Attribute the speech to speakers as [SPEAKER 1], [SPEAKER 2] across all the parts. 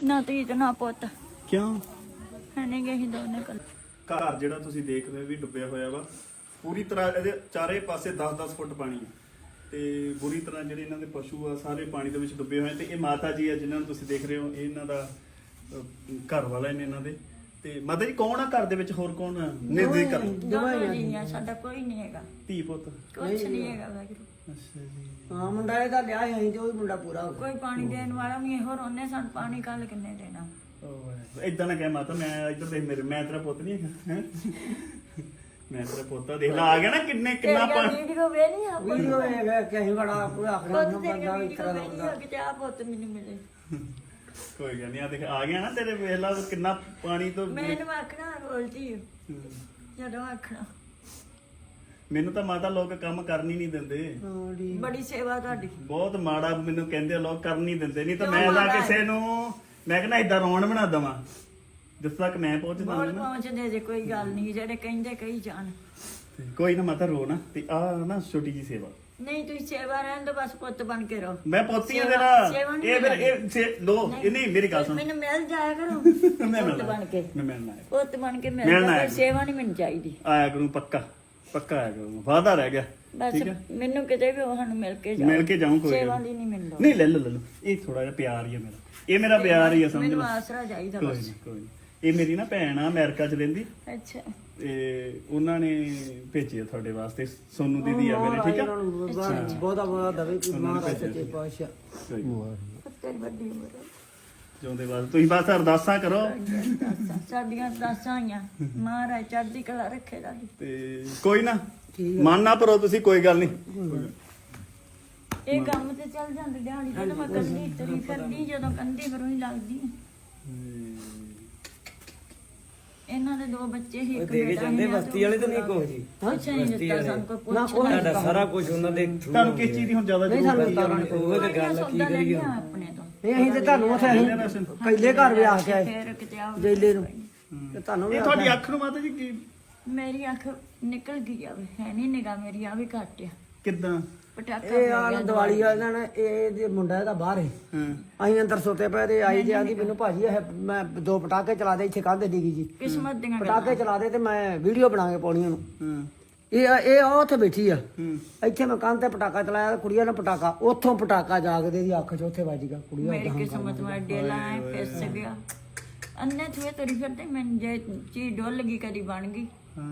[SPEAKER 1] ਨਾ ਧੀ ਤੇ ਨਾ ਪੁੱਤ
[SPEAKER 2] ਕਿਉਂ?
[SPEAKER 1] ਹਣੇ ਗਏ ਸੀ ਦੋਨੇ ਕੱਲ।
[SPEAKER 2] ਘਰ ਜਿਹੜਾ ਤੁਸੀਂ ਦੇਖ ਰਹੇ ਹੋ ਵੀ ਡੁੱਬਿਆ ਹੋਇਆ ਵਾ ਪੂਰੀ ਤਰ੍ਹਾਂ। ਇਹਦੇ ਚਾਰੇ ਪਾਸੇ 10-10 ਫੁੱਟ ਪਾਣੀ ਆ ਤੇ ਬੁਰੀ ਤਰ੍ਹਾਂ ਜਿਹੜੇ ਇਹਨਾਂ ਦੇ ਪਸ਼ੂ ਆ ਸਾਰੇ ਪਾਣੀ ਦੇ ਵਿੱਚ ਡੁੱਬੇ ਹੋਏ ਤੇ ਇਹ ਮਾਤਾ ਜੀ ਆ ਜਿਨ੍ਹਾਂ ਨੂੰ ਤੁਸੀਂ ਦੇਖ ਰਹੇ ਹੋ, ਇਹ ਇਹਨਾਂ ਦਾ ਘਰ ਵਾਲਾ ਨੇ ਇਹਨਾਂ ਦੇ। ਤੇ ਮਾਤਾ ਜੀ ਕੌਣ ਆ ਘਰ ਦੇ ਵਿੱਚ, ਹੋਰ ਕੌਣ ਆ? ਨਿਰਦੇ ਕਰ
[SPEAKER 1] ਦੋਨੋਂ ਜੀ ਆ, ਸਾਡਾ ਕੋਈ ਨਹੀਂ ਹੈਗਾ,
[SPEAKER 2] ਧੀ ਪੁੱਤ।
[SPEAKER 1] ਕੁਛ ਨਹੀਂ ਹੈਗਾ ਵਾਹਿਗੁਰੂ।
[SPEAKER 2] ਅੱਛਾ ਜੀ।
[SPEAKER 3] ਹਾਂ ਮੁੰਡਾ ਇਹਦਾ ਲਿਆ ਸੀ ਤੇ ਉਹ ਵੀ ਮੁੰਡਾ ਪੂਰਾ ਹੋ ਗਿਆ।
[SPEAKER 1] ਕੋਈ ਪਾਣੀ ਦੇਣ ਵਾਲਾ ਨਹੀਂ ਇਹੋ ਰੋਨੇ ਸਾਨੂੰ ਪਾਣੀ ਕੱਲ ਕਿੰਨੇ ਦੇਣਾ।
[SPEAKER 2] ਇਦਾਂ ਨਾ ਕਹਿ ਮਾਤਾ, ਮੈਂ ਇੱਧਰ ਦੇਖ ਮੇਰੇ, ਮੈਂ ਤੇਰਾ ਪੁੱਤ ਨਹੀਂ ਹੈਗਾ ਹੈ। ਮੈਂ ਤੇਰਾ ਪੁੱਤ ਦੇਖ ਲਾ, ਆ ਗਿਆ ਨਾ ਕਿੰਨਾ ਪਾਣੀ।
[SPEAKER 1] ਵੀਡੀਓ ਵੇ ਨਹੀਂ ਆ
[SPEAKER 3] ਵੀਡੀਓ ਹੈਗਾ ਕਿ ਅਸੀਂ ਬੜਾ ਪੂਰਾ ਆਖਣਾ
[SPEAKER 1] ਪੁੱਤ ਦੇ
[SPEAKER 3] ਬੰਦਾ ਇਸ
[SPEAKER 1] ਵੀਡੀਓ
[SPEAKER 3] ਤਰ੍ਹਾਂ
[SPEAKER 1] ਵੇ
[SPEAKER 3] ਦਾ
[SPEAKER 1] ਨਹੀਂ
[SPEAKER 3] ਹੁੰਦਾ।
[SPEAKER 1] ਆ ਕਿ ਆ ਪੁੱਤ ਮੈਨੂੰ ਮਿਲੇ।
[SPEAKER 2] ਕੋਈ ਗੱਲ ਨਹੀਂ, ਆ ਦੇਖ ਆ ਗਿਆ ਨਾ ਤੇਰੇ, ਵੇਖ ਲਾ ਕਿੰਨਾ ਪਾਣੀ ਤੋਂ।
[SPEAKER 1] ਮੈਨੂੰ ਆਖਣਾ ਬੋਲਦੀ ਜਦੋਂ ਆਖਣਾ।
[SPEAKER 2] ਮੈਨੂੰ ਤਾਂ ਮਾਤਾ ਲੋਕ ਕੰਮ ਕਰਨ ਹੀ ਨਹੀਂ ਦਿੰਦੇ।
[SPEAKER 3] ਹਾਂ ਜੀ।
[SPEAKER 1] ਬੜੀ ਸੇਵਾ ਤੁਹਾਡੀ।
[SPEAKER 2] ਬਹੁਤ ਮਾੜਾ ਮੈਨੂੰ ਕਹਿੰਦੇ ਆ ਲੋਕ, ਕਰਨ ਨਹੀਂ ਦਿੰਦੇ। ਨਹੀਂ ਤਾਂ ਮੈਂ ਤਾਂ ਕਿਸੇ ਨੂੰ ਮੈਂ ਕਹਿੰਦਾ ਏਦਾਂ ਰੌਣ ਬਣਾ ਦਵਾਂ ਜਿਸ ਤੱਕ ਮੈਂ ਪਹੁੰਚਦਾ
[SPEAKER 1] ਬਹੁਤ
[SPEAKER 2] ਨਾ।
[SPEAKER 1] ਪਹੁੰਚਦੇ ਜੇ, ਕੋਈ ਗੱਲ ਨਹੀਂ, ਜਿਹੜੇ ਕਹਿੰਦੇ ਕਹੀ ਜਾਣ।
[SPEAKER 2] ਕੋਈ ਨਾ ਮਾਤਾ ਰੋ ਨਾ। ਤੇ ਆ ਨਾ ਛੋਟੀ ਜੀ ਸੇਵਾ,
[SPEAKER 1] ਨਹੀਂ ਤੁਸੀਂ ਸੇਵਾ ਰਹਿਣ ਦੋ, ਬਸ ਪੁੱਤ ਬਣ ਕੇ ਰਹੋ।
[SPEAKER 2] ਮੈਂ ਪੋਤੀ ਆ
[SPEAKER 1] ਸੇਵਾ
[SPEAKER 2] ਤੇਰਾ।
[SPEAKER 1] ਨਹੀਂ
[SPEAKER 2] ਇਹ ਫਿਰ ਇਹ ਲੋ ਇਹ ਨਹੀਂ, ਮੇਰੀ ਗੱਲ ਸੁਣ।
[SPEAKER 1] ਮੈਨੂੰ ਮਿਲ ਜਾਇਆ ਕਰੋ
[SPEAKER 2] ਮੈਂ
[SPEAKER 1] ਪੁੱਤ ਬਣ ਕੇ।
[SPEAKER 2] ਮੈਂ ਮਿਲਣਾ ਹੈ,
[SPEAKER 1] ਪੁੱਤ ਬਣ ਕੇ ਮਿਲ
[SPEAKER 2] ਮਿਲਣਾ
[SPEAKER 1] ਜਾਇਆ
[SPEAKER 2] ਹੈ।
[SPEAKER 1] ਕਰੋ, ਸੇਵਾ ਨਹੀਂ ਮੈਨੂੰ ਚਾਹੀਦੀ।
[SPEAKER 2] ਆਇਆ ਕਰੂੰ ਪੱਕਾ ਪੱਕਾ ਆਇਆ ਕਰੂੰ, ਵਾਅਦਾ ਰਹਿ ਗਿਆ।
[SPEAKER 1] ਬਸ
[SPEAKER 2] ਠੀਕ ਹੈ,
[SPEAKER 1] ਮੈਨੂੰ ਕਿਤੇ ਵੀ ਉਹ ਸਾਨੂੰ ਮਿਲ ਕੇ ਜਾਓ।
[SPEAKER 2] ਮਿਲ ਕੇ ਜਾਊਂ। ਕੋਈ
[SPEAKER 1] ਸੇਵਾ
[SPEAKER 2] ਗੱਲ
[SPEAKER 1] ਦੀ ਨਹੀਂ ਮੈਨੂੰ ਲੋੜ।
[SPEAKER 2] ਨਹੀਂ, ਲੈ ਲਓ ਇਹ ਥੋੜਾ ਜਿਹਾ ਪਿਆਰ ਹੀ ਹੈ ਮੇਰਾ, ਇਹ ਮੇਰਾ ਪਿਆਰ ਹੀ ਹੈ, ਸਮਝ
[SPEAKER 1] ਮੈਨੂੰ
[SPEAKER 2] ਲਓ।
[SPEAKER 1] ਆਸਰਾ ਚਾਹੀਦਾ
[SPEAKER 2] ਕੋਈ
[SPEAKER 1] ਬਸ।
[SPEAKER 2] ਨਹੀਂ ਕੋਈ ਨਹੀਂ। ਇਹ ਮੇਰੀ ਨਾ ਭੈਣ ਆ, ਅਮਰੀਕਾ ਚ ਰਹਿੰਦੀ
[SPEAKER 1] ਅੱਛਾ
[SPEAKER 2] ਤੇ ਉਹਨਾਂ ਨੇ ਭੇਜਿਆ ਤੁਹਾਡੇ ਵਾਸਤੇ। ਸੋਨੂ ਦੀਦੀ ਆ ਮੇਰੇ, ਠੀਕ ਆ।
[SPEAKER 3] ਬਹੁਤਾ ਬਹੁਤਾ ਦਵੇ ਕਿ ਮਹਾਰਾਜ ਸੱਚੇ ਪਾਤਸ਼ਾਹ।
[SPEAKER 2] ਕੋਈ ਨੀ।
[SPEAKER 1] ਤੇਰੀ ਵੱਡੀ ਉਮਰ ਹੈ।
[SPEAKER 2] ਜਿਉਂਦੇ ਵਾਸਤੇ ਤੁਸੀਂ ਬਸ ਅਰਦਾਸਾਂ ਕਰੋ।
[SPEAKER 1] ਸਾਡੀਆਂ ਅਰਦਾਸਾਂ ਆਈਆਂ, ਮਹਾਰਾਜ ਚੜ੍ਹਦੀ ਕਲਾ ਰੱਖੇ ਰਾਜੀ।
[SPEAKER 2] ਤੇ ਕੋਈ ਨਾ ਮਨ ਨਾ ਭਰੋ ਤੁਸੀਂ, ਕੋਈ ਗੱਲ ਨਹੀਂ।
[SPEAKER 1] ਇਹ ਕੰਮ ਤੇ ਚੱਲ ਜਾਂਦੇ ਦਿਹਾੜੀ ਜਦੋਂ ਮੈਂ ਕੰਦੀ ਤਰੀ ਫਿਰਦੀ, ਜਦੋਂ ਕੰਦੀ ਫਿਰੋਂ ਹੀ ਲੱਗਦੀ। ਇਹਨਾਂ ਦੇ ਦੋ ਬੱਚੇ ਹੀ, ਇੱਕ
[SPEAKER 4] ਦੇ ਕੇ
[SPEAKER 1] ਬੇਟਾ
[SPEAKER 4] ਜਾਂਦੇ
[SPEAKER 1] ਸੀ।
[SPEAKER 4] ਬਸਤੀ ਵਾਲੇ ਤਾਂ ਨਹੀਂ ਕੋਈ ਜੀ।
[SPEAKER 1] ਕੁਛ ਨਹੀਂ ਦਿੱਤਾ ਸਾਨੂੰ, ਕੋਈ
[SPEAKER 3] ਨਾ
[SPEAKER 1] ਪੁੱਛ
[SPEAKER 3] ਕੋਈ
[SPEAKER 4] ਤੁਹਾਡਾ ਸਾਰਾ ਕੁਝ ਉਹਨਾਂ ਦੇ through
[SPEAKER 2] ਤੁਹਾਨੂੰ ਕਿਸ ਚੀਜ਼ ਦੀ ਹੁਣ ਜ਼ਿਆਦਾ
[SPEAKER 3] ਨਹੀਂ,
[SPEAKER 2] ਜ਼ਰੂਰਤ
[SPEAKER 3] ਸਾਨੂੰ
[SPEAKER 2] ਹੈ?
[SPEAKER 4] ਉਹ ਤੇ ਗੱਲ ਕੀ ਕਰੀਏ।
[SPEAKER 1] ਆਪਣੇ ਤੋਂ
[SPEAKER 3] ਨਹੀਂ ਅਸੀਂ ਤੇ ਤੁਹਾਨੂੰ ਉੱਥੇ ਅਸੀਂ ਕੈਲੇ ਘਰ ਵੀ ਆ ਕੇ ਆਏ
[SPEAKER 1] ਫਿਰ ਕਿਤੇ ਆਓ
[SPEAKER 3] ਜੇਲੇ ਨੂੰ ਤੇ ਤੁਹਾਨੂੰ ਵੀ
[SPEAKER 2] ਇਹ ਤੁਹਾਡੀ ਅੱਖ ਨੂੰ ਮਾਤਾ ਜੀ ਕੀ
[SPEAKER 1] ਮੇਰੀ ਅੱਖ ਨਿਕਲ ਗਈ ਆ, ਹੈ ਨਹੀਂ ਨਿਗਾ ਮੇਰੀ ਆ ਵੀ ਘੱਟ ਆ।
[SPEAKER 2] ਕਿੱਦਾਂ?
[SPEAKER 1] ਪਟਾਕਾ
[SPEAKER 3] ਇਹ ਆ ਦੀਵਾਲੀ ਆ ਇਹਨਾਂ ਨੇ, ਇਹ ਮੁੰਡਾ ਇਹਦਾ ਬਾਹਰ ਹੈ।
[SPEAKER 2] ਹਾਂ
[SPEAKER 3] ਅਸੀਂ ਅੰਦਰ ਸੁੱਤੇ ਪਏ ਤੇ ਆਈ ਜੇ ਆਂਦੀ ਮੈਨੂੰ ਭਾਜੀ ਇਹ ਮੈਂ 2 ਪਟਾਕੇ ਚਲਾ ਦੇ ਇੱਥੇ ਕੰਧ ਡਿੱਗੀ ਜੀ।
[SPEAKER 1] ਕਿਸਮਤ ਦੀਆਂ
[SPEAKER 3] ਪਟਾਕੇ ਚਲਾ ਦੇ ਤੇ ਮੈਂ ਵੀਡੀਓ ਬਣਾ ਕੇ ਪਾਉਣੀ ਉਹਨੂੰ।
[SPEAKER 2] ਹਾਂ
[SPEAKER 3] ਇਹ ਉਹ ਉੱਥੇ ਬੈਠੀ ਆ,
[SPEAKER 2] ਹੂੰ।
[SPEAKER 3] ਇੱਥੇ ਮੈਂ ਕੰਧ ਤੇ ਪਟਾਕਾ ਚਲਾਇਆ, ਕੁੜੀਆਂ ਨੇ ਪਟਾਕਾ ਉੱਥੋਂ ਪਟਾਕਾ ਜਾਗਦੇ ਦੀ ਅੱਖ 'ਚ ਉੱਥੇ ਵੱਜ ਗਿਆ। ਕੁੜੀਆਂ
[SPEAKER 1] ਮੇਰੀ ਕਿਸਮਤ ਮੈਂ ਡੇਲਾ ਐ ਫਿਸ ਗਿਆ। ਅੰਨੇ ਥੂਏ ਤੇਰੀ ਫਿਰਦੇ ਮੈਂ ਜੇ ਚੀਜ਼ ਡੁੱਲ ਗਈ ਕਦੀ ਬਣ ਗਈ।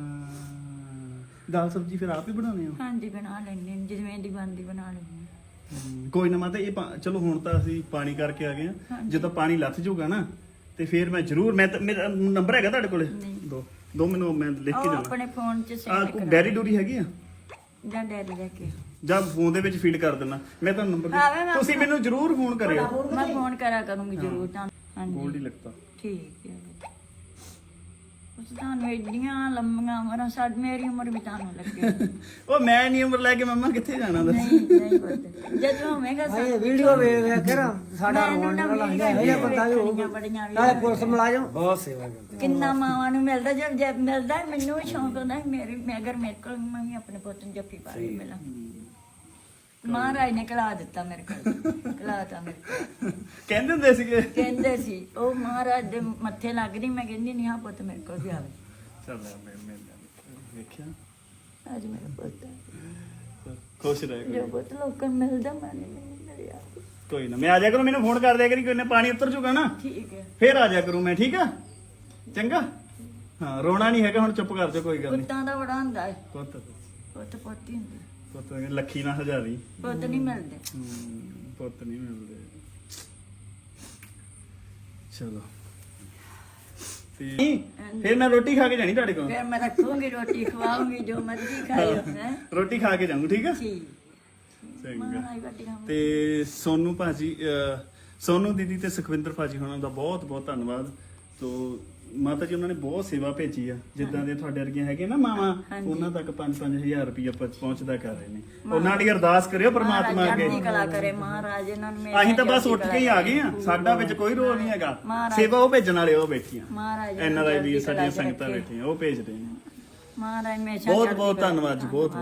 [SPEAKER 2] ਦਾਲ ਸਬਜੀ ਫਿਰ ਆਪ ਹੀ ਬਣਾਉਂਦੇ ਹੋ?
[SPEAKER 1] ਹਾਂਜੀ ਬਣਾ ਲੈਂਦੇ ਜਿਵੇਂ ਦੀ ਬਣਦੀ ਬਣਾ ਲੈਂਦੇ।
[SPEAKER 2] ਕੋਈ ਨਾ ਮਾਤਾ, ਇਹ ਚਲੋ ਹੁਣ ਤਾਂ ਅਸੀਂ ਪਾਣੀ ਕਰਕੇ ਆ ਗਏ ਆ। ਜਦੋਂ ਪਾਣੀ ਲੱਥ ਜਾਊਗਾ ਨਾ ਤੇ ਫਿਰ ਮੈਂ ਜ਼ਰੂਰ, ਮੇਰਾ ਨੰਬਰ ਹੈਗਾ ਤੁਹਾਡੇ ਕੋਲੇ? ਦੋ ਮੈਨੂੰ, ਮੈਂ ਲਿਖ ਕੇ
[SPEAKER 1] ਉਹ
[SPEAKER 2] ਜਾਣਾ।
[SPEAKER 1] ਆਪਣੇ ਫੋਨ 'ਚ
[SPEAKER 2] ਆ
[SPEAKER 1] ਸੇਵ
[SPEAKER 2] ਕੋਈ ਡੈਰੀ ਡੂਰੀ ਹੈਗੀ ਆ
[SPEAKER 1] ਜਾਂ ਡੈਡੀ ਲੈ ਕੇ
[SPEAKER 2] ਜਾਂ ਫੋਨ ਦੇ ਵਿੱਚ ਫੀਡ ਕਰ ਦੇਣਾ ਮੈਂ ਤੁਹਾਨੂੰ ਨੰਬਰ
[SPEAKER 1] ਆਵੇ ਮੈਂ
[SPEAKER 2] ਤੁਸੀਂ ਮੈਨੂੰ ਜ਼ਰੂਰ ਫੋਨ ਕਰਿਓ।
[SPEAKER 1] ਮੈਂ ਫੋਨ ਕਰਿਆ ਕਰੂੰਗੀ ਜ਼ਰੂਰ ਤੁਹਾਨੂੰ। ਹਾਂਜੀ
[SPEAKER 2] ਗੋਲਡ ਹੀ ਲੱਗਦਾ।
[SPEAKER 1] ਠੀਕ ਹੈ। ਉਸ ਤੁਹਾਨੂੰ ਏਡੀਆਂ ਲੰਮੀਆਂ ਉਮਰਾਂ, ਸਾਡੀ ਮੇਰੀ ਉਮਰ ਵੀ ਤੁਹਾਨੂੰ ਲੱਗੇ।
[SPEAKER 2] ਉਹ ਮੈਂ ਨਹੀਂ ਉਮਰ ਲੈ ਕੇ ਮੰਮਾ ਕਿੱਥੇ ਜਾਣਾ ਦੱਸ।
[SPEAKER 1] ਨਹੀਂ ਨਹੀਂ ਪੁੱਤ, ਜਦੋਂ ਹੋਵੇਗਾ
[SPEAKER 3] ਇਹ ਵੀਡੀਓ ਵੇਖ ਵੇਖ ਕੇ ਨਾ ਸਾਡਾ
[SPEAKER 1] ਮੈਨੂੰ
[SPEAKER 3] ਰੋਣ
[SPEAKER 1] ਨਾ
[SPEAKER 3] ਨਿਕਲ ਆਉਂਦਾ ਹੈ।
[SPEAKER 1] ਵੀਡੀਓ
[SPEAKER 3] ਇਹ ਪਤਾ ਵੀ ਹੋਊ
[SPEAKER 1] ਬੜੀਆਂ ਵੀ
[SPEAKER 3] ਨਾਲੇ ਪੁਲਿਸ ਮੁਲਾਜ਼ਮ
[SPEAKER 4] ਬਹੁਤ ਸੇਵਾ ਕਰਦੇ।
[SPEAKER 1] ਕਿੰਨਾ ਮਾਵਾਂ ਨੂੰ ਮਿਲਦਾ, ਜੇ ਮਿਲਦਾ ਮੈਨੂੰ ਵੀ ਸ਼ੌਂਕ ਹੁੰਦਾ ਸੀ ਮੈਂ ਅਗਰ ਮੇਰੇ ਕੋਲ ਮੈਂ ਵੀ ਆਪਣੇ ਪੁੱਤ ਨੂੰ ਜੱਫੀ ਪਾ ਕੇ ਮਿਲਾਂ। ਮਹਾਰਾਜ ਨੇ ਕਲਾ ਦਿੱਤਾ ਮੇਰੇ ਕੋਲ, ਕਲਾਤਾ ਮੇਰੇ ਕੋਲ।
[SPEAKER 2] ਕਹਿੰਦੇ ਹੁੰਦੇ ਸੀਗੇ।
[SPEAKER 1] ਕਹਿੰਦੇ ਸੀ ਉਹ ਮਹਾਰਾਜ ਦੇ ਮੱਥੇ ਲੱਗਦੀ, ਮੈਂ ਕਹਿੰਦੀ ਨਹੀਂ ਹਾਂ ਪੁੱਤ ਮੇਰੇ ਕੋਲ ਵੀ ਆਵੇ।
[SPEAKER 2] ਚੱਲ ਮੈਂ ਵੇਖਿਆ
[SPEAKER 1] ਅੱਜ ਮੇਰਾ ਪੁੱਤ
[SPEAKER 2] ਖੁਸ਼ ਰਹਿ
[SPEAKER 1] ਜੋ ਪੁੱਤ ਲੋਕਾਂ ਨੂੰ ਮਿਲਦਾ ਮੈਂ ਨਹੀਂ ਮਿਲਿਆ।
[SPEAKER 2] ਕੋਈ ਨਾ, ਮੈਂ ਆ ਜਾ ਕਰੂੰ, ਮੈਨੂੰ ਫੋਨ ਕਰ ਦਿਆ ਕਰੀ, ਕੋਈ ਨਾ ਪਾਣੀ ਉਤਰ ਜੂਗਾ ਨਾ
[SPEAKER 1] ਠੀਕ ਹੈ।
[SPEAKER 2] ਫੇਰ ਆ ਜਾ ਕਰੂੰ ਮੈਂ, ਠੀਕ ਆ? ਚੰਗਾ। ਹਾਂ ਰੋਣਾ ਨਹੀਂ ਹੈਗਾ ਹੁਣ, ਚੁੱਪ ਕਰ ਜਾ, ਕੋਈ ਗੱਲ ਨਹੀਂ।
[SPEAKER 1] ਪੁੱਤਾਂ ਦਾ ਬੜਾ ਹੁੰਦਾ ਹੈ,
[SPEAKER 2] ਪੁੱਤ
[SPEAKER 1] ਪੁੱਤ ਪੁੱਤ ਹੀ ਹੁੰਦੇ,
[SPEAKER 2] ਪੁੱਤ ਲੱਖੀ ਨਾ ਹਜ਼ਾਰੀ।
[SPEAKER 1] ਪੁੱਤ ਨਹੀਂ ਮਿਲਦੇ।
[SPEAKER 2] ਪੁੱਤ ਨਹੀਂ ਮਿਲਦੇ। ਚਲੋ ਤੇ ਫਿਰ ਮੈਂ ਰੋਟੀ ਖਾ ਕੇ ਜਾਣੀ ਤੁਹਾਡੇ ਕੋਲ।
[SPEAKER 1] ਫਿਰ ਮੈਂ ਰੱਖੂੰਗੀ ਰੋਟੀ, ਖਵਾਉਂਗੀ ਜੋ ਮਰਜ਼ੀ ਖਾਇਓ ਹੈ।
[SPEAKER 2] ਰੋਟੀ ਖਾ ਕੇ ਜਾਊਂ, ਠੀਕ ਆ?
[SPEAKER 1] ਠੀਕ
[SPEAKER 2] ਚੰਗਾ।
[SPEAKER 1] ਮਹਾਰਾਜ ਵੱਡੀ ਖਾਵਾਂ।
[SPEAKER 2] ਤੇ ਸੋਨੂ ਭਾਜੀ, ਸੋਨੂ ਦੀਦੀ ਤੇ ਸੁਖਵਿੰਦਰ ਭਾਜੀ ਹੋਣਾ ਦਾ ਬਹੁਤ ਬਹੁਤ ਧੰਨਵਾਦ। ਤੋ ਮਾਤਾ ਜੀ ਉਹਨਾਂ ਨੇ ਬਹੁਤ ਸੇਵਾ ਭੇਜੀ ਆ, ਜਿੱਦਾਂ ਦੇ ਤੁਹਾਡੇ ਵਰਗੀਆਂ ਹੈਗੇ ਨਾ ਮਾਵਾਂ, ਉਹਨਾਂ ਤੱਕ 5-5000 ਰੁਪਇਆ ਪਹੁੰਚਦਾ ਕਰ ਰਹੇ ਨੇ। ਉਹਨਾਂ ਦੀ ਅਰਦਾਸ ਕਰਿਓ ਪ੍ਰਮਾਤਮਾ ਅੱਗੇ।
[SPEAKER 1] ਚੜ੍ਹਦੀ ਕਲਾ ਕਰੇ ਮਹਾਰਾਜ ਇਹਨਾਂ ਨੂੰ।
[SPEAKER 2] ਅਸੀਂ ਤਾਂ ਬਸ ਉੱਠ ਕੇ ਹੀ ਆ ਗਏ ਆ, ਸਾਡਾ ਵਿੱਚ ਕੋਈ ਰੋਲ ਨਹੀਂ ਹੈਗਾ। ਸੇਵਾ ਉਹ ਭੇਜਣ ਵਾਲੇ ਉਹ ਬੈਠੀਆਂ,
[SPEAKER 1] ਮਹਾਰਾਜ
[SPEAKER 2] ਇਹਨਾਂ ਦਾ ਵੀ ਸਾਡੀਆਂ ਸੰਗਤਾਂ ਬੈਠੀਆਂ ਉਹ ਭੇਜਦੇ ਨੇ।
[SPEAKER 1] ਮਹਾਰਾਜ ਹਮੇਸ਼ਾ
[SPEAKER 2] ਬਹੁਤ ਬਹੁਤ ਧੰਨਵਾਦ ਜੀ, ਬਹੁਤ